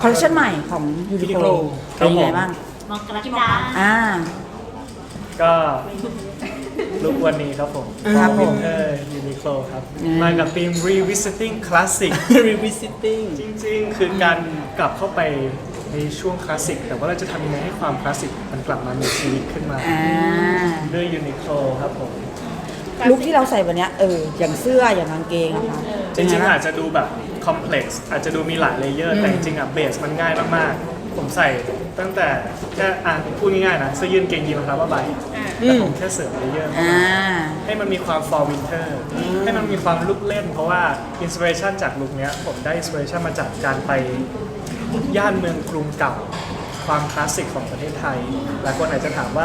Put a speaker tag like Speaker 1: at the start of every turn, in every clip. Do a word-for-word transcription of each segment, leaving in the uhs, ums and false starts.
Speaker 1: คอลเลคชันใหม่ของยูนิโคลเป็นยังไงบ้าง
Speaker 2: มองกระดาษ
Speaker 1: อ่า
Speaker 3: ก็ลุควันนี้ครับผม
Speaker 1: ครับผม
Speaker 3: เออยูนิโคลครับมากับธีม revisiting classic
Speaker 4: revisiting
Speaker 3: จริงๆ คือการกลับเข้าไปในช่วงคลาสสิกแต่ว่าเราจะทำยังไงให้ความคลาสสิกมันกลับมามีชีวิตขึ้นมา
Speaker 1: อ่า
Speaker 3: ด้วยยูนิโคลครับผม
Speaker 1: ลุคที่เราใส่วันเนี้ยเอออย่างเสื้ออย่างกางเกงอะค่ะ
Speaker 3: จริงๆอาจจะดูแบบคอมเพล็กซ์อาจจะดูมีหลายเลเยอร์แต่จริงๆอ่ะเบสมันง่ายมากๆ ผมใส่ตั้งแต่แค่อ่ะพูดง่ายๆนะเสื้อยืดเกงยีนรองเท้าผ้าใบแต่ผมแค่เสริมเลเยอร์
Speaker 1: อ่า
Speaker 3: ให้มันมีความ for winter ให้มันมีความลุกเล่น เพราะว่าอินสปิเรชันจากลุคเนี้ยผมได้อินสปิเรชันมาจากการไปย่านเมืองกรุงเก่าความคลาสสิกของประเทศไทยหลายคนอาจจะถามว่า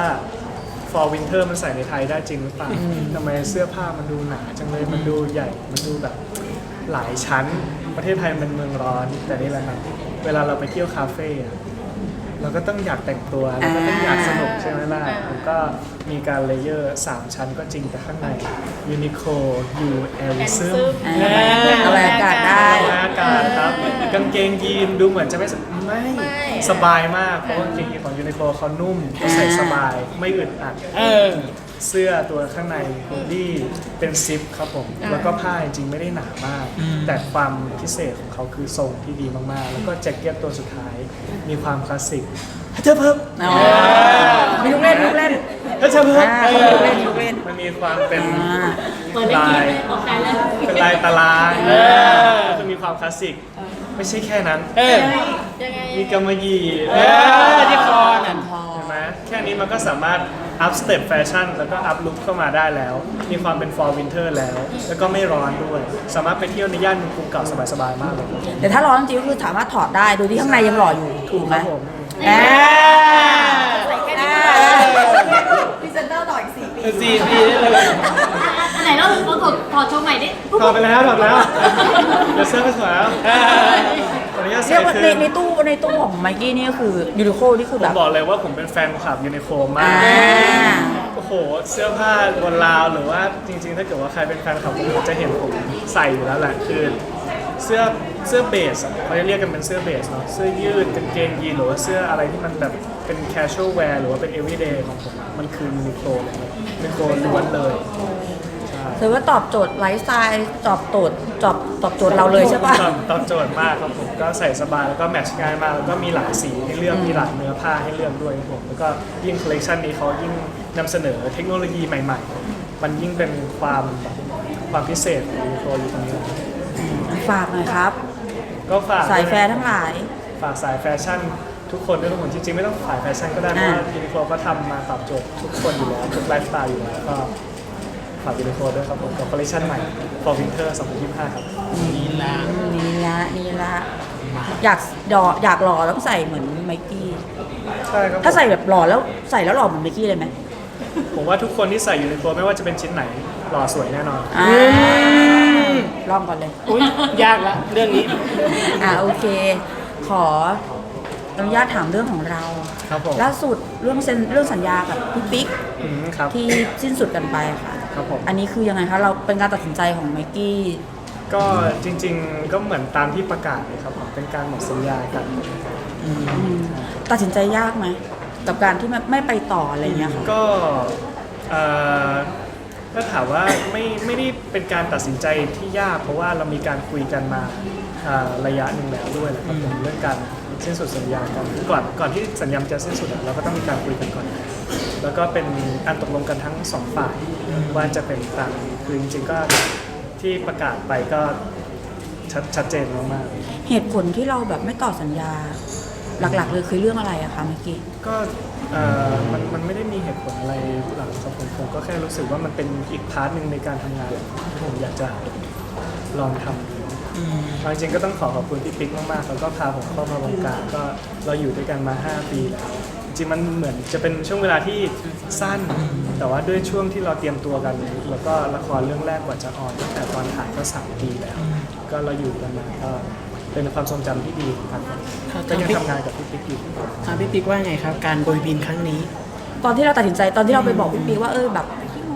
Speaker 3: for winter มันใส่ในไทยได้จริงหรือเปล่าทำไมเสื้อผ้ามันดูหนาจังเลยมันดูใหญ่มันดูแบบหลายชั้นประเทศไทยเป็นเมืองร้อนแต่นี่แหละครับเวลาเราไปเที่ยวคาเฟ่อะเราก็ต้องอยากแต่งตัวเราก็ต้องอยากสนุกใช่ไหมล่ะผมก็มีการเลเยอร์สามชั้นก็จริงแต่ข้างในยูนิโคยูเอลซึม
Speaker 1: อ่าเอาอากาศได้
Speaker 3: อากาศครับกางเกงยีนดูเหมือนจะไม่สไม่สบายมากเพราะว่ากางเกงยีนของยูนิโคเขานุ่มใส่สบายไม่อึดอัด
Speaker 4: เออ
Speaker 3: เสื้อตัวข้างในฮูดดี้เป็นซิปครับผมแล้วก็ผ้าจริงๆไม่ได้หนามาก แต่ความพิเศษของเขาคือทรงที่ดีมากๆ แล้วก็แจ็คเก็ตตัวสุดท้ายมีความคลาสสิกฮัทเทอร์เพิร์
Speaker 1: อ๋อมีลูกเล่นลูกเล่น
Speaker 3: ฮัทเทอร์เพิร์
Speaker 1: อ่าลูกเล่นลูกเล่น
Speaker 3: มันมีความเป็น
Speaker 1: อ่า
Speaker 2: เปิดได้
Speaker 3: ลา
Speaker 2: กิน
Speaker 3: ย
Speaker 2: เลยออกการเลย
Speaker 3: เป็นลายตารางคือมีความคลาสสิกไม่ใช่แค่นั้น
Speaker 4: เออ
Speaker 2: ยังไง
Speaker 3: มีกำมะหยี่
Speaker 4: เออที่คอนั่น
Speaker 3: เห็นไหมแค่นี้มันก็สามารถอัพสเต็ปแฟชั่นแล้วก็อัพลุคเข้ามาได้แล้ว มีความเป็น for winter แล้ว แล้วก็ไม่ร้อนด้วย สามารถไปเที่ยวในย่านเมืองกรุงเก่าสบายๆมากเลย
Speaker 1: แต่ถ้าร้อนจริงก็คือสามารถถอดได้โดยที่ข้างในยังหล่ออยู่ถูกไหม
Speaker 3: ครับผม
Speaker 1: อ่า
Speaker 2: ใส่แค่นี้
Speaker 1: พรีเซนเตอร์ต่ออีกสี่ปี
Speaker 4: สี่ปีได้เลย
Speaker 2: อันไหนเราเราถอดถอดโชว์ใหม่ดิ
Speaker 3: ถอดไปแล้วถอดแล้วเดี๋ยวเสื้อก็สวยแล้วขออนุญาต
Speaker 1: เรี
Speaker 3: ใส่
Speaker 1: ยกว่า
Speaker 3: คื
Speaker 1: ใน
Speaker 3: น
Speaker 1: ในตู้ในตู้ของไมกี้นี่ก็คือยูนิโคนี่คือ
Speaker 3: ผ
Speaker 1: แบ
Speaker 3: ม
Speaker 1: บ
Speaker 3: บอกเลยว่าผมเป็นแฟนคลับยูนิโคมา
Speaker 1: อ่า
Speaker 3: ก โอ้โห เสื้อผ้าบนราวหรือว่าจริงๆ ถ้าเกิดว่าใครเป็นแฟนคลับผมจะเห็นผมใส่อยู่แล้วแหละคือเสื้อเสื้อเบสอะเขาจะเรียกกันเป็นเสื้อเบสเนาะเสื้อยืดกางเกงยีนหรือว่าเสื้ออะไรที่มันแบบเป็น casual wear หรือว่าเป็น everyday ของผมอะมันคือยูนิโคลเลยยูนิโคลล้วนเลยใช่
Speaker 1: ถือว่าตอบโจทย์ไลฟ์สไตล์ตอบโจทย์ตอบตอบโจทย์เราเลยใช่ปะ
Speaker 3: ตอบตอบโจทย์มากครับผมก็ใส่สบายแล้วก็แมทช์ง่ายมากแล้วก็มีหลายสีให้เลือกมีหลายเนื้อผ้าให้เลือกด้วยครับผมแล้วก็ยิ่งคอลเลคชันนี้เขายิ่งนำเสนอเทคโนโลยีใหม่ๆ มันยิ่งเป็นความความพิเศษของยูนิโคลอยู่ตรงนี้
Speaker 1: ฝากหน่อยครับ
Speaker 3: ก็ฝาก
Speaker 1: สายแฟร์ทั้งหลาย
Speaker 3: ฝากสายแฟชั่นทุกคนด้วยทุกคนจริงๆไม่ต้องสายแฟชั่นก็ได้เพราะว่า
Speaker 1: อ่า
Speaker 3: ยูนิโคลก็ทำมาตอบโจทย์ทุกคนอยู่แล้วทุกไลฟ์สไตล์อยู่แล้วก็ฝากยูนิโคลด้วยครับผมกับคอลเลคชันใหม่ for winter สองพันยี่สิบห้าครับ
Speaker 4: นี่ละ
Speaker 1: นี่ละนี่ละอยากดออยากหล่อต้องใส่เหมือนไมกี้
Speaker 3: ใช่ครับผม
Speaker 1: ถ้าใส่แบบหล่อแล้วใส่แล้วหล่อเหมือนไมกี้เลยไหม
Speaker 3: ผมว่าทุกคนที่ใส่ยูนิโคลไม่ว่าจะเป็นชิ้นไหนหล่อสวยแน่นอน
Speaker 1: อ่าลองก่อนเลย
Speaker 4: อุ้ยยากละเรื่องนี้
Speaker 1: อ่าโอเค ขออนุญาตถามเรื่องของเรา
Speaker 3: ครับผม
Speaker 1: ล่าสุดเรื่องเซ็นเรื่องสัญญากับพี่ปิ๊ก
Speaker 3: อืมครับ
Speaker 1: ที่สิ้นสุดกันไปค่ะ
Speaker 3: ครับผม
Speaker 1: อันนี้คือยังไงคะเราเป็นการตัดสินใจของไมกี้
Speaker 3: ก็จริงๆก็เหมือนตามที่ประกาศเลยครับผมเป็นการหมดสัญญากัน
Speaker 1: อืมตัดสินใจยากไหมกับการที่ไม่ไม่ไปต่ออะไรอย่างเงี้ยค่ะ
Speaker 3: ก็เอ่อถ้าถามว่าไม่ไม่ได้เป็นการตัดสินใจที่ยากเพราะว่าเรามีการคุยกันมาอ่าระยะหนึ่งแล้วด้วยแหละครับผมเรื่องการสิ้นสุดสัญญากันคือก่อนก่อนที่สัญญาจะสิ้นสุดอะเราก็ต้องมีการคุยกันก่อน แล้วก็เป็นการตกลงกันทั้งสองฝ่ายว่าจะเป็นตามนี้คือจริงๆก็ที่ประกาศไปก็ชัดชัดเจนมากๆ
Speaker 1: เหตุผลที่เราแบบไม่ต่อสัญญา หลักๆเลยคือเรื่องอะไรอะคะเมื่อกี้
Speaker 3: ก็เอ่อมันมันไม่ได้มีเหตุผลอะไรหลังจากผมผมก็แค่รู้สึกว่ามันเป็นอีกพาร์ทหนึ่งในการทำงานที่ผมอยากจะลองทำดูเอาจริงๆก็ต้องขอขอบคุณพี่ปิ๊กมากๆแล้วก็พาผมเข้ามาวงการก็เราอยู่ด้วยกันมาห้าปีแล้วจริงๆมันเหมือนจะเป็นช่วงเวลาที่สั้น แต่ว่าด้วยช่วงที่เราเตรียมตัวกันแล้วก็ละครเรื่องแรกกว่าจะออนตั้งแต่ตอนถ่ายก็สามปีแล้ว ก็เราอยู่กันมาก็เป็นความทรงจำที่ดีครับก็ยังทำงานกับพี่ปิ๊กอยู่
Speaker 4: ถามพี่ปิ๊กว่าไงครับ การโบยบินครั้งนี้
Speaker 1: ตอนที่เราตัดสินใจตอนที่เราไปบอกพี่ปิ๊กว่าเออแบบ
Speaker 4: เอ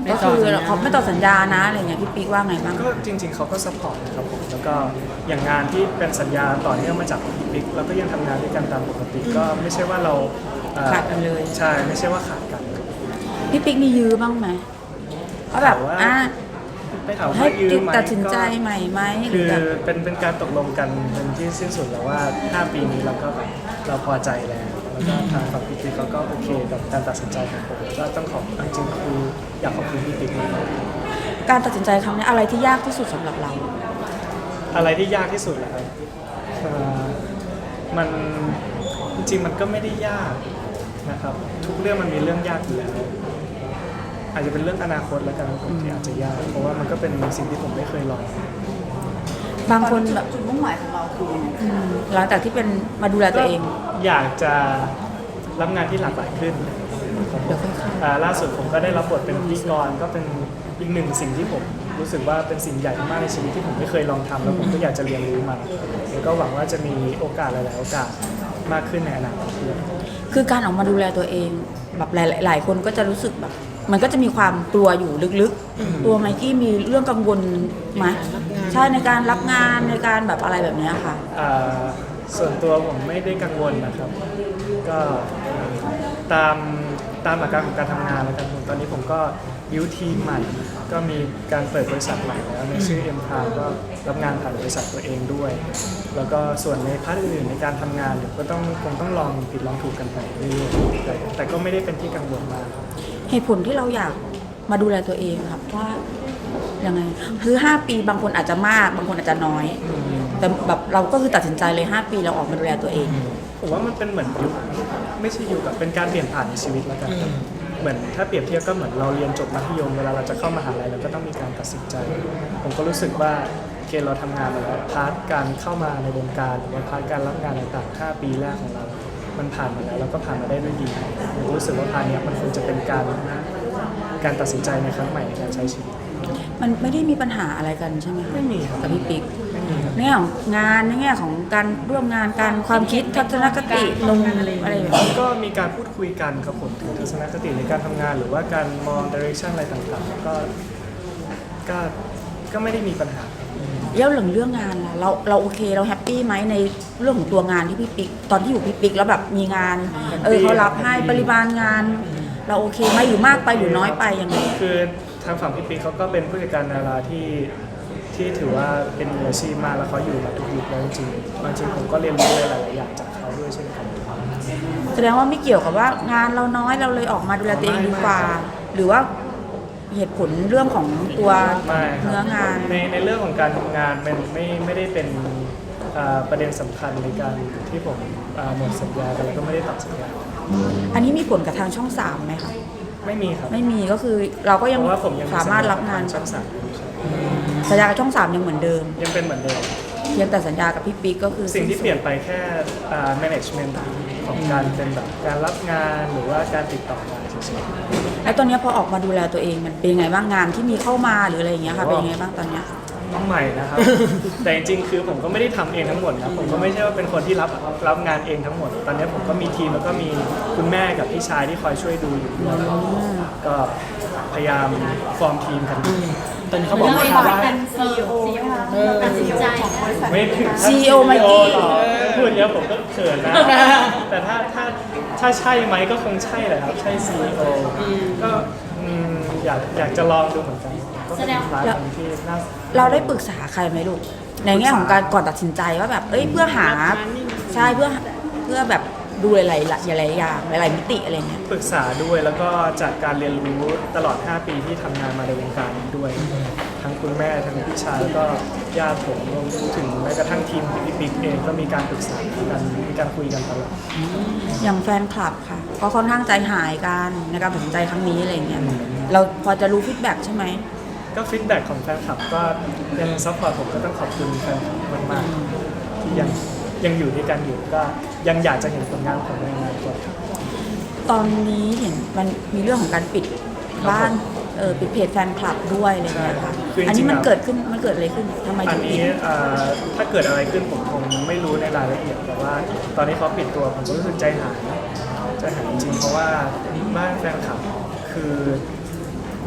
Speaker 1: ก็คือเขาไม่ต่อสัญญานะอะไรเงี้ยพี่ปิ๊กว่าไงบ้าง
Speaker 3: ก็จริงๆเขาก็ซัพพอร์ตนะครับผมแล้วก็อย่างงานที่เป็นสัญญาต่อเนื่องมาจากพี่ปิ๊กเราก็ยังทำงานด้วยกันตามปกติก็ไม่ใช่ว่าเราเอ่อ
Speaker 1: ขาดกันเลย
Speaker 3: ใช่ไม่ใช่ว่าขาดกัน
Speaker 1: พี่ปิ๊กมียื้อบ้างไหมว่าแบบ
Speaker 3: ถามว่า
Speaker 1: อ่ะ
Speaker 3: ไม่ถาม
Speaker 1: ให้
Speaker 3: ว่ายืมไหม
Speaker 1: ตัดสินใจ
Speaker 3: ก็
Speaker 1: ใหม่ไหมห
Speaker 3: คื
Speaker 1: รือ
Speaker 3: อ
Speaker 1: แบบ
Speaker 3: เป็นเป็นการตกลงกันเป็นที่สิ้นสุดแล้วว่าห้าปีนี้เราก็แบบเราพอใจแล้วแล้วก็ทางฝั่งพี่ปิ๊กเขาก็โอเคกับการตัดสินใจของผมก็ต้องขอบจริงๆคืออยากขอบคุณพี่ปิ๊กมาก
Speaker 1: การตัดสินใจครั้งนี้อะไรที่ยากที่สุดสำหรับเรา
Speaker 3: อะไรที่ยากที่สุดเหรอครับเอ่อมันจริงๆมันก็ไม่ได้ยากนะครับทุกเรื่องมันมีเรื่องยากอยู่แล้วอาจจะเป็นเรื่องอนาคตแล้วกันผมที่อาจจะยากเพราะว่ามันก็เป็นสิ่งที่ผมไม่เคยลอง
Speaker 1: บางคนแบบ
Speaker 2: จุดมุ่งหมายของเราคือ
Speaker 1: อืมหลังจากที่เป็นมาดูแลตัวเอง
Speaker 3: อยากจะรับงานที่หลากหลายขึ้น
Speaker 1: เดี๋ยวค่อยเข้า
Speaker 3: อ่าล่าสุดผมก็ได้รับบทเป็นพิธีกรก็เป็นอีกหนึ่งสิ่งที่ผมรู้สึกว่าเป็นสิ่งใหญ่มากในชีวิตที่ผมไม่เคยลองทำแล้วผมก็อยากจะเรียนรู้มันแล้วก็หวังว่าจะมีโอกาสหลาย ๆ โอกาสมากขึ้นในอนาคตด้วย
Speaker 1: คือการออกมาดูแลตัวเองแบบหลายหลายคนก็จะรู้สึกแบบ มันก็จะมีความกลัวอยู่ลึกๆ ตัวไมกี้มีเรื่องกังวลไหมใช่ในการรับงานในการแบบอะไรแบบเนี้ยค่ะ
Speaker 3: อ่าส่วนตัวผมไม่ได้กังวลนะครับ ก็ตามตามหลักการของการทำงานแล้วกันผมตอนนี้ผมก็บิวทีมใหม่ ก็มีการเปิดบริษัทใหม่แล้วในชื่อ M Prime ก็รับงานผ่านบริษัทตัวเองด้วย แล้วก็ส่วนในพาร์ทอื่นๆในการทำงานเดี๋ยวก็ต้องคงต้องลองผิดลองถูกกันไปเรื่อยๆแต่แต่ก็ไม่ได้เป็นที่กังวลมาก
Speaker 1: เหตุผลที่เราอยากมาดูแลตัวเองครับว่ายังไงคือห้าปีบางคนอาจจะมากบางคนอาจจะน้อย แต่แบบเราก็คือตัดสินใจเลยห้าปีเราออกมาดูแลตัวเอง
Speaker 3: ผมว่ามันเป็นเหมือนยุคไม่ใช่ยุคกับเป็นการเปลี่ยนผ่านในชีวิตแล้วกันครับเหมือนถ้าเปรียบเทียบก็เหมือนเราเรียนจบมัธยมเวลาเราจะเข้ามหาลัยเราก็ต้องมีการตัดสินใจ ผมก็รู้สึกว่าโอเคเราทำงานมาแล้วพาร์ทการเข้ามาในวงการหรือว่าพาร์ทการรับงานต่างๆห้าปีแรกของเรา มันผ่านมาแล้วเราก็ผ่านมาได้ด้วยดีผมก็รู้สึกว่าพาร์ทเนี้ยมันคงจะเป็นการการตัดสินใจในครั้งใหม่ในการใช้ชีวิต
Speaker 1: มันไม่ได้มีปัญหาอะไรกันใช่ไหมคะ
Speaker 3: ไม่มีครับ
Speaker 1: กับพี่ปิ๊ก
Speaker 3: ไม่มีครับ
Speaker 1: ในแง่ของงานในแง่ของการร่วมงานการความคิดทัศนคตินมอะไรแบบนี้
Speaker 3: ก็มีการพูดคุยกันครับผมถึงทัศนคติในการทำงานหรือว่าการมองดิเรกชันอะไรต่างๆก็ก็ก็ไม่ได้มีปัญหา
Speaker 1: แล้วเรื่องเรื่องงานล่ะเราเราโอเคเราแฮปปี้ไหมในเรื่องของตัวงานที่พี่ปิ๊กตอนที่อยู่พี่ปิ๊กแล้วแบบมีงานเออเขารับให้ปริมาณงาน เราโอเคไหมหรือมากไปหรือน้อยไปยังไง
Speaker 3: คือทางฝั่งพี่ปิ๊กเขาก็เป็นผู้จัดการดาราที่ที่ถือว่าเป็นมืออาชีพมากแล้วเขาอยู่มาทุกยุคแล้วจริงๆบางทีผมก็เรียนรู้หลายๆอย่างจากเขาด้วยเช่นกัน
Speaker 1: แสดงว่าไม่เกี่ยวกับว่างานเราน้อยเราเลยออกมาดูแลตัวเองดีกว่า หรือว่าเหตุผลเรื่องของตัว
Speaker 3: ไม่ครับ
Speaker 1: เนื้องาน
Speaker 3: ในในเรื่องของการทำงานเป็นไม่ไม่ได้เป็นอ่าประเด็นสำคัญในการที่ผมอ่าหมดสัญญากันแล้วก็ไม่ได้ตัดสัญญา
Speaker 1: อันนี้มีผลกับทางช่องสามไหมคะ
Speaker 3: ไม่มีครับ
Speaker 1: ไม่มีก็คือเราก็
Speaker 3: เพ
Speaker 1: ยัง
Speaker 3: ราะว่าผมยัง
Speaker 1: สามารถรับงาน
Speaker 3: ช่องสามอยู่ใช่
Speaker 1: สัญญากับช่องสามยังเหมือนเดิม
Speaker 3: ยังเป็นเหมือนเดิม
Speaker 1: เพียงแต่สัญญากับพี่ปิ๊กก็คือ
Speaker 3: สิ่งที่เปลี่ยนไปแค่อ่า management ของการเป็นแบบการรับงานหรือว่าการติดต่องานเฉย
Speaker 1: แล้วตอนเนี้ยพอออกมาดูแลตัวเองมันเป็นยังไงบ้างงานที่มีเข้ามาหรืออะไรอย่างเงี้ยค่ะเป็นยังไงบ้างตอนเนี้ย
Speaker 3: ๆน้องใหม่นะครับ แต่จริงๆคือผมก็ไม่ได้ทำเองทั้งหมดนะผมก็ไม่ใช่ว่าเป็นคนที่รับรับงานเองทั้งหมด ตอนนี้ผมก็มีทีมแล้วก็มีคุณแม่กับพี่ชายที่คอยช่วยดูอยู่ด้วยก็พยายามฟอร์มทีมกัน
Speaker 4: ตอนนี้เขาบอกว่าว่า
Speaker 2: เป็นซีอีโอตัดสินใจ
Speaker 3: ไม่ถึง
Speaker 1: ซี อี โอ ไมกี้
Speaker 3: หรอกพูดเยอะผมก็เขินนะ แต่ถ้าถ้าถ้าใช่ไหมก็คงใช่แหละครับ ใช่ ซี อี โอ ก็อืมอยากอยากจะลองดูเหมือนกันก็เป็นร้านคนที่น่า
Speaker 1: เราได้ปรึกษาใครไหมลูกในแง่ของการก่อนตัดสินใจว่าแบบเอ้ยเพื่อหาใช่เพื่อเพื่อแบบดูหลายๆหลายๆอย่างหลายๆมิติอะไรเงี้ย
Speaker 3: ปรึกษาด้วยแล้วก็จากการเรียนรู้ตลอด ห้า ปีที่ทำงานมาในวงการนี้ด้วย ทั้งคุณแม่ทั้งพี่ชายแล้วก็ญาติผมรวมถึงแม้กระทั่งทีมพี่ปิ๊กเองก็มีการปรึกษากันมีการคุยกันตลอด
Speaker 1: อย่างแฟนคลับค่ะก็ค่อนข้างใจหายกันในการตัดสินใจครั้งนี้อะไรเงี้ยเราพอจะรู้ฟีดแบ็กใช่ไหม
Speaker 3: ก็ฟีดแบ็กของแฟนคลับก็ยังซัพพอร์ตผมก็ต้องขอบคุณแฟนคลับมากๆที่ยังยังอยู่ด้วยกันอยู่ก็ยังอยากจะเห็นผลงานของในอนาคตครับ
Speaker 1: ตอนนี้เห็นมันมีเรื่องของการปิดบ้านเออปิดเพจแฟนคลับด้วยอะไรเงี้ยค่ะ
Speaker 3: คือจริงๆ
Speaker 1: อันนี้มันเกิดขึ้นมันเกิดอะไรขึ้นทำไม
Speaker 3: อั
Speaker 1: ถึ
Speaker 3: น
Speaker 1: งปิ
Speaker 3: นี้
Speaker 1: ด
Speaker 3: เอ่อถ้าเกิดอะไรขึ้นผมคงไม่รู้ในรายละเอียดแต่ว่า ตอนนี้เขาปิดตัวผมก็รู้สึกใจหายใจหายจริงๆเพราะว่าบ้านแฟนคลับคือ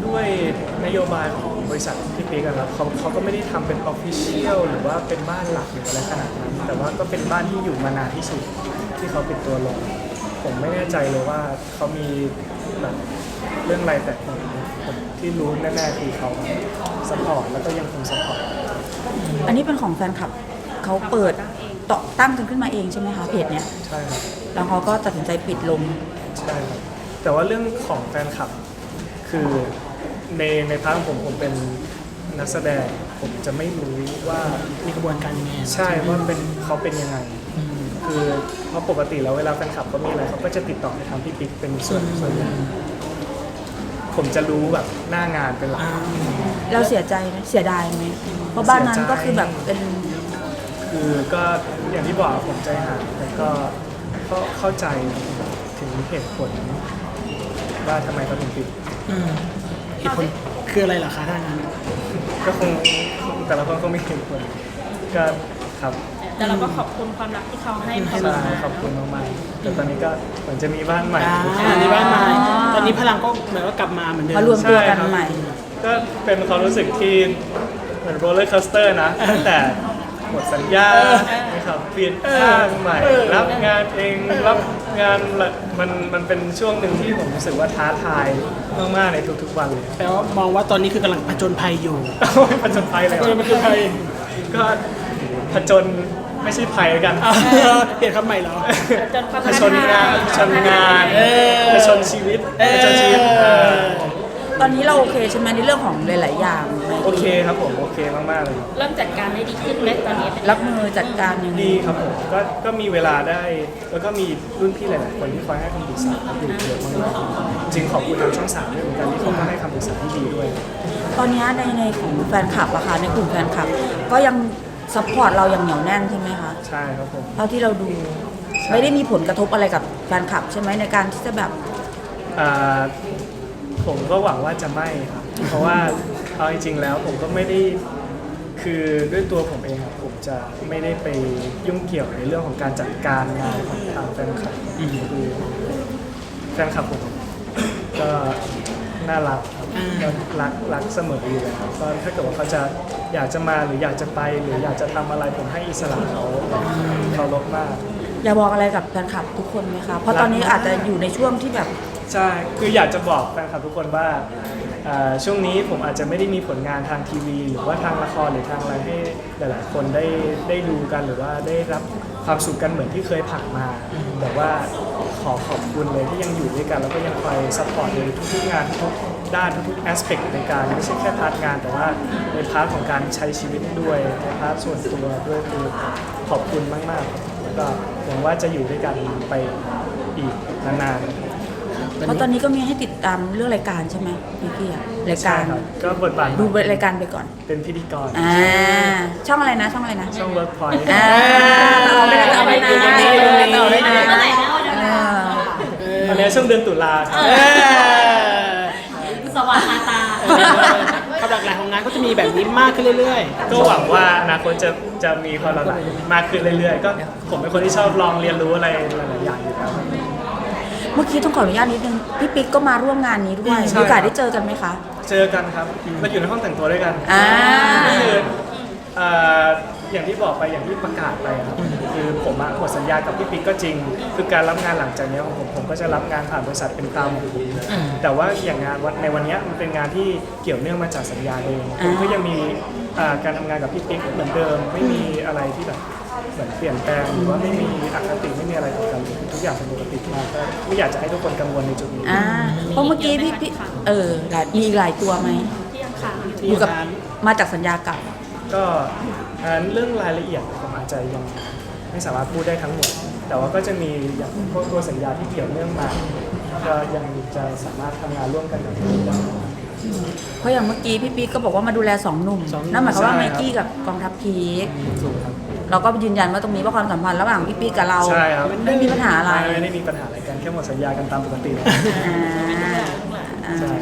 Speaker 3: ด้วยนโยบายของบริษัทพี่ปิ๊กอะครับเขาเขาก็ไม่ได้ทำเป็นออฟฟิเชียลหรือว่าเป็นบ้านหลักหรืออะไรขนาดนั้น แต่ว่าก็เป็นบ้านที่อยู่มานานที่สุดที่เขาปิดตัวลง ผมไม่แน่ใจเลยว่าเขามีแบบเรื่องอะไรแต่ผมผมที่รู้แน่ๆคือเขาสปอร์ตแล้วก็ยังคงสปอร์ต
Speaker 1: อันนี้เป็นของแฟนคลับเขาเปิดต่อตั้งกันขึ้นมาเองใช่ไหมคะเพจเนี้ย
Speaker 3: ใช่ครับ
Speaker 1: แล้วเขาก็ตัดสินใจปิดลง
Speaker 3: ใช่ครับแต่ว่าเรื่องของแฟนคลับคือในในพาร์ทของผมผมเป็นนักแสดงผมจะไม่รู้ว่า
Speaker 4: มีกระบวนการยังไง
Speaker 3: ใช่ว่าเป็นเขาเป็นยังไง คือเพราะปกติแล้วเวลาแฟนคลับเขามีอะไรเขาก็จะติดต่อไปทางพี่ปิ๊กเป็นส่วนส่วนใหญ่ผมจะรู้แบบหน้างานเป็นหลัก
Speaker 4: อ่า
Speaker 1: เราเสียใจไหมเสียดายไหมเพราะบ้านนั้นก็คือแบบเป็น
Speaker 3: คือก็อย่างที่บอกผมใจหายแต่ก็ก็เข้าใจถึงเหตุผลว่าทำไมเขาถึงปิด
Speaker 4: อืมเหตุผลคืออะไรเหรอคะถ้างั้น
Speaker 3: ก็คงแต่ละคนก็มีเหตุผลก็ครับ
Speaker 2: แต่เราก็ขอบคุณความรักที่เขาให้มา
Speaker 3: ใช่ขอบคุณมากๆแต่ตอนนี้ก็เหมือนจะมีบ้านใหม่
Speaker 4: อ่าในบ้านใหม่ตอนนี้พลังก็เหมือนว่ากลับมาเหมือนเดิม
Speaker 1: มารวมตัวกันใหม่
Speaker 3: ก็เป็นความรู้สึกที่เหมือนโรลเลอร์คอสเตอร์นะตั้งแต่หมดสัญญานะครับเปลี่ยนข้างใหม่ รับงานเองรับงานละมันมันเป็นช่วงหนึ่งที่ผมรู้สึกว่าท้าทายมากๆในทุกๆวันเลย
Speaker 4: แปลว่ามองว่าตอนนี้คือกำลังผจญภัยอยู่
Speaker 3: โอ้ยผจญภัยเลย
Speaker 4: ผจญภัย
Speaker 3: ก็ผจญไม่ใช่ภัยแล้วกัน
Speaker 4: อ่าเปลี่ยนคำใหม่เหรอ
Speaker 2: จนความ
Speaker 3: ผจญงานผจญงาน
Speaker 4: เออ
Speaker 3: ผจญชีวิต
Speaker 4: เออ
Speaker 3: ผจญชีวิตเออ
Speaker 1: ตอนนี้เราโอเคใช่ไหมในเรื่องของหลายๆอย่างไหม
Speaker 3: โอเคครับผมโอเคมากๆเลย
Speaker 2: เริ่มจัดการได้ดีขึ้นไหมตอนนี้เป็น
Speaker 1: รับมือจัดการยังไง
Speaker 3: ดีครับผมก็ก็มีเวลาได้ แล้วก็มีรุ่นพี่หลาย ๆ คนที่คอยให้คำปรึกษาอยู่เยอะมากๆจริงขอบคุณทางช่องสามด้วยเหมือนกันที่เขาก็ให้คำปรึกษาที่ดีด้วย
Speaker 1: ตอนนี้ในในของแฟนคลับอะค่ะในกลุ่มแฟนคลับ ก็ยังซัพพอร์ตเราอย่างเหนียวแน่นใช่ไหมคะ
Speaker 3: ใช่ครับผม
Speaker 1: เท่าที่เราดูไม่ได้มีผลกระทบอะไรกับแฟนคลับใช่ไหมในการที่จะแบบ
Speaker 3: อ่าผมก็หวังว่าจะไม่ครับ เพราะว่าเอาจริง ๆ แล้วผมก็ไม่ได้คือด้วยตัวผมเองอะผมจะไม่ได้ไปยุ่งเกี่ยวในเรื่องของการจัดการงานของทางแฟนคลับคือแฟนคลับผมก็น่ารักครับ
Speaker 4: อ่า
Speaker 3: ก็รักรักเสมออยู่แล้วก็ถ้าเกิดว่าเขาจะอยากจะมาหรืออยากจะไปหรืออยากจะทำอะไรผมให้อิสระเขาเขาลบมาก
Speaker 1: อยากบอกอะไรกับแฟนคลับทุกคนไหมคะเพราะตอนนี้อาจจะอยู่ในช่วงที่แบบ
Speaker 3: ใช่ คืออยากจะบอกแฟนคลับทุกคนว่าเอ่อช่วงนี้ผมอาจจะไม่ได้มีผลงานทางทีวี หรือว่าทางละครหรือทางอะไรให้หลายๆ คนได้ได้ดูกันหรือว่าได้รับความสุขกันเหมือนที่เคยผ่านมา แต่ว่าขอขอบคุณเลยที่ยังอยู่ด้วยกัน แล้วก็ยังคอยซัพพอร์ตในทุกๆงานทุกๆด้านทุกๆแอสเปกในการไม่ใช่แค่พาร์ทงาน แต่ว่าในพาร์ทของการใช้ชีวิตด้วยในพาร์ทส่วนตัวด้วยคือขอบคุณมากๆแล้วก็หวังว่าจะอยู่ด้วยกันไปอีกนานๆ
Speaker 1: เพราะตอนนี้ก็มีให้ติดตามเรื่องรายการใช่ไหมพี่กี้อะรายการ
Speaker 3: ใช่คบก็บทบาท
Speaker 1: ดูรายการไปก่อน
Speaker 3: เป็นพิธีกร
Speaker 1: อ่าช่องอะไรนะช่องอะไรนะ
Speaker 3: ช่อง Workpoint
Speaker 1: อ่าเอาไปเลยเอาไปเลยเอาไปเลยเอาไปเลย
Speaker 2: เมื่อไหร่นะวัน
Speaker 1: เอ
Speaker 2: นั้น
Speaker 1: อ
Speaker 3: ตอนนี้ช่วงเดือนตุลา
Speaker 4: เออ
Speaker 2: สว่างคาตา
Speaker 4: ความหลากหลายของงานก็จะมีแบบนี้มากขึ้นเรื่อย
Speaker 3: ก็หวังว่าอนาคตจะจะมีความหลากหลายมากขึ้นเรื่อยๆ ก็ผมเป็นคนที่ชอบลองเรียนรู้อะไรหลายๆอย่างอยู่แล้ว
Speaker 1: เมื่อกี้ต้องขออนุญาตนิดนึงพี่ปิ๊กก็มาร่วมงานนี้ด้วย
Speaker 3: ใช่
Speaker 1: มีโอกาสได้เจอกันไหมคะ
Speaker 3: เจอกันครับเราอยู่ในห้องแต่งตัวด้วยกัน
Speaker 1: อ่า
Speaker 3: ก็คือเอ่ออย่างที่บอกไปอย่างที่ประกาศไปครับคือผมอะหมดสัญญากับพี่ปิ๊กก็จริง คือการรับงานหลังจากนี้ของผมผมก็จะรับงานผ่านบริษัทเป็นตามของผมแต่ว่าอย่างงานวันในวันนี้มันเป็นงานที่เกี่ยวเนื่องมาจากสัญญาเองผมก็ยังมีเอ่อการทำงานกับพี่ปิ๊กเหมือนเดิม ไม่มีอะไรที่แบบเหมือนเปลี่ยนแปลงหรือว่าไม่มีอคติไม่มีอะไรต่อกันทุกอย่างเป็นปกติมากก็ไม่อยากจะให้ทุกคนกังวลในจุดนี้
Speaker 1: อ่าเพราะเมื่อกี้พี่พี่เออหลายมีอีกหลายตัวไหม
Speaker 2: ที่ยังค้างอยู่
Speaker 4: ๆ
Speaker 1: อ
Speaker 4: ที่
Speaker 1: ยู่กับ
Speaker 4: ร้าน
Speaker 1: มาจากสัญญาเก่า
Speaker 3: ก็อันนั้นเรื่องรายละเอียดผมอาจจะยังไม่สามารถพูดได้ทั้งหมด แต่ว่าก็จะมีอย่างพวกตัวสัญญาที่เกี่ยวเนื่องมาก็ยังจะสามารถทำงานร่วมกันกับพี่ได้
Speaker 1: เพราะอย่างเมื่อกี้พี่ปิ๊กก็บอกว่ามาดูแลสองหนุ่ม
Speaker 4: สองหนุ่ม
Speaker 1: นั่นหมายความว่า
Speaker 3: ใช่
Speaker 1: ไม
Speaker 3: ครับ
Speaker 1: กี้กับกองทัพพีค
Speaker 3: ถูกครับ
Speaker 1: เราก็ยืนยันว่าตรงนี้ว่าความสัมพันธ์ระหว่างพี่ปิ๊กกับเรา
Speaker 3: ใช่ครับ
Speaker 1: ไม่มีปัญหาอะไร
Speaker 3: ไม่ได้มีปัญหาอะไรกันแค่หมดสัญญากันตามปกติเลย
Speaker 1: อ่าอ่า
Speaker 3: ใช่ครับ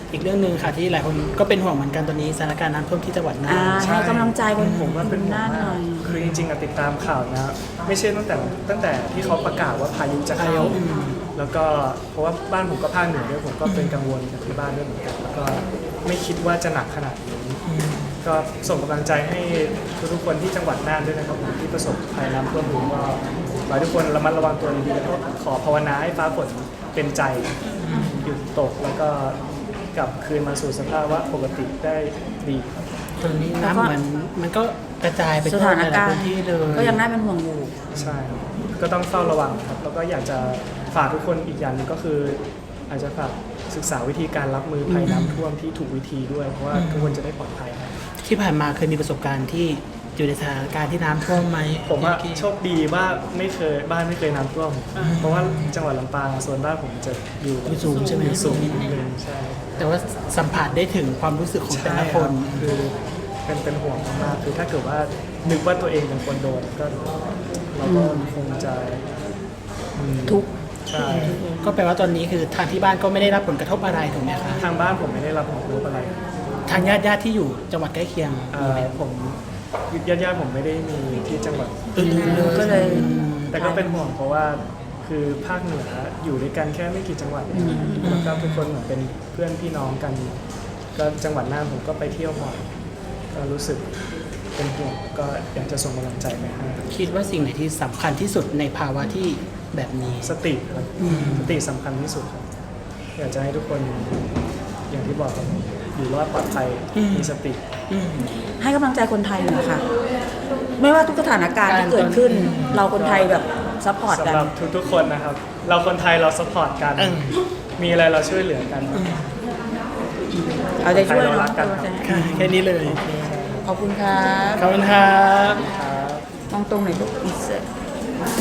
Speaker 4: อีกเรื่องหนึ่งค่ะที่หลายคนก็เป็นห่วงเหมือนกันตอนนี้สถานการณ์น้ำท่วมที่จังหวัดน่า
Speaker 1: อ่าน ให้กำลังใจคน
Speaker 3: ผมว่าเป็นห่ว
Speaker 1: น่าง นห
Speaker 3: มา
Speaker 1: น่
Speaker 3: ก
Speaker 1: อย
Speaker 3: คือจริงๆอะติดตามข่าวนะ ไม่ใช่ตั้งแต่ตั้งแต่ที่เขาประกาศว่าพายุจะเข้า แล้วก็เพราะว่าบ้านผมก็ภาคเหนือด้วยผมก็เป็นกังวลกับที่บ้านด้วยเหมือนกันแล้วก็ไม่คิดว่าจะหนักขนาดนี้ก็ส่งกำลังใจให้ทุกๆคนที่จังหวัดน่านด้วยนะครับผมที่ประสบภัยน้ำท่วมอยู่ก็ขอให้ทุกคนระมัดระวังตัวดีๆแล้วก็ขอภาวนาให้ฟ้าฝนเป็นใจหยุดตกแล้วก็กลับคืนมาสู่สภาวะปกติได้ดีครับ
Speaker 4: ตอนนี้น้ำเหมือนมันก็กระจายไป
Speaker 1: ส
Speaker 4: ทั่ว
Speaker 1: ถาน
Speaker 4: หลาย
Speaker 1: การ
Speaker 4: ๆพื้
Speaker 1: ณ์
Speaker 4: นที่เลย
Speaker 1: ก็ยังน่าเป็นห่วงอยู่
Speaker 3: ใช่ครับก็ต้องเฝ้าระวังครับแล้วก็อยากจะฝากทุกคนอีกอย่างหนึงก็คือ อาจจะฝากศึกษาวิธีการรับมือภัยน้ำท่วมที่ถูกวิธีด้วย เพราะว่าทุกคนจะได้ปลอดภัยครับ
Speaker 4: ที่ผ่านมาเคยมีประสบการณ์ที่อยู่ในสถานการณ์ที่น้ำท่วมไหม
Speaker 3: ผมว่า
Speaker 4: พี่
Speaker 3: โชคดีว่าไม่เคยบ้านไม่เคยน้ำท่วม เพราะว่าจังหวัดลำปางส่วนบ้านผมจะอยู่
Speaker 4: อยู่สูงใช่ไหม
Speaker 3: อยู่สูงนิดนึงใช่
Speaker 4: แต่ว่าสัมผัสได้ถึงความรู้สึกของแต่
Speaker 3: ใช่
Speaker 4: ละ
Speaker 3: ค
Speaker 4: ครับ น
Speaker 3: คือเป็นเป็นห่วงมากๆคือถ้าเกิดว่านึกว่าตัวเองเป็นคนโดนก็เราก็คงจะอืม
Speaker 1: ทุกข์
Speaker 3: ใช่
Speaker 4: ก็แปลว่าตอนนี้คือทางที่บ้านก็ไม่ได้รับผลกระทบอะไรถูกไหมคะ
Speaker 3: ทางบ้านผมไม่ได้รับผลกระทบอะไร
Speaker 4: ทางญาติญาติๆที่อยู่จังหวัดใกล้เคียง
Speaker 3: เอ่อผมญาติญาติๆผมไม่ได้มีที่จังหวัด
Speaker 4: อื่นๆเลย
Speaker 1: ก็เลย
Speaker 3: แต่ก็เป็นห่วงเพราะว่าคือภาคเหนืออยู่ด้วยกันแค่ไม่กี่จังหวัดเองแล้วก็ทุกคนเหมือนเป็นเพื่อนพี่น้องกัน ก็จังหวัดน่านผมก็ไปเที่ยวบ่อยก็รู้สึกเป็นห่วงก็อยากจะส่งกำลังใจไปให้
Speaker 4: คิดว่าสิ่งไหนที่สำคัญที่สุดในภาวะที่แบบนี้
Speaker 3: สติครับ
Speaker 4: อืม
Speaker 3: สติสำคัญที่สุดครับอยากจะให้ทุกคนอย่างที่บอกครับอยู่รอดปลอดภัยมีสติ
Speaker 4: อืม
Speaker 1: ให้กำลังใจคนไทยหน่อยค่ะ ไม่ว่าทุกสถานการณ์ที่เกิดขึ้น เราคนไทยแบบซัพพอร์ตกั
Speaker 3: สำ
Speaker 1: น
Speaker 3: หรับทุกๆคนนะครับ เราคนไทยเราสปอร์ตกัน
Speaker 4: เออ
Speaker 3: มีอะไรเราช่วยเหลือกัน
Speaker 1: เอาใจช่วย
Speaker 3: เรา
Speaker 1: เนาะ
Speaker 3: รักกัน
Speaker 1: เอาใจ
Speaker 4: ค่ะแค่นี้เลย
Speaker 1: ขอบคุณครับ
Speaker 4: ขอบคุณครับ
Speaker 3: ครับ
Speaker 1: มองตรงไหนลูกอิสเซอร์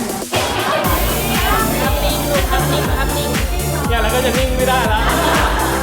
Speaker 3: เนี่ยแล้วก็จะนิ่งไม่ได้แล้ว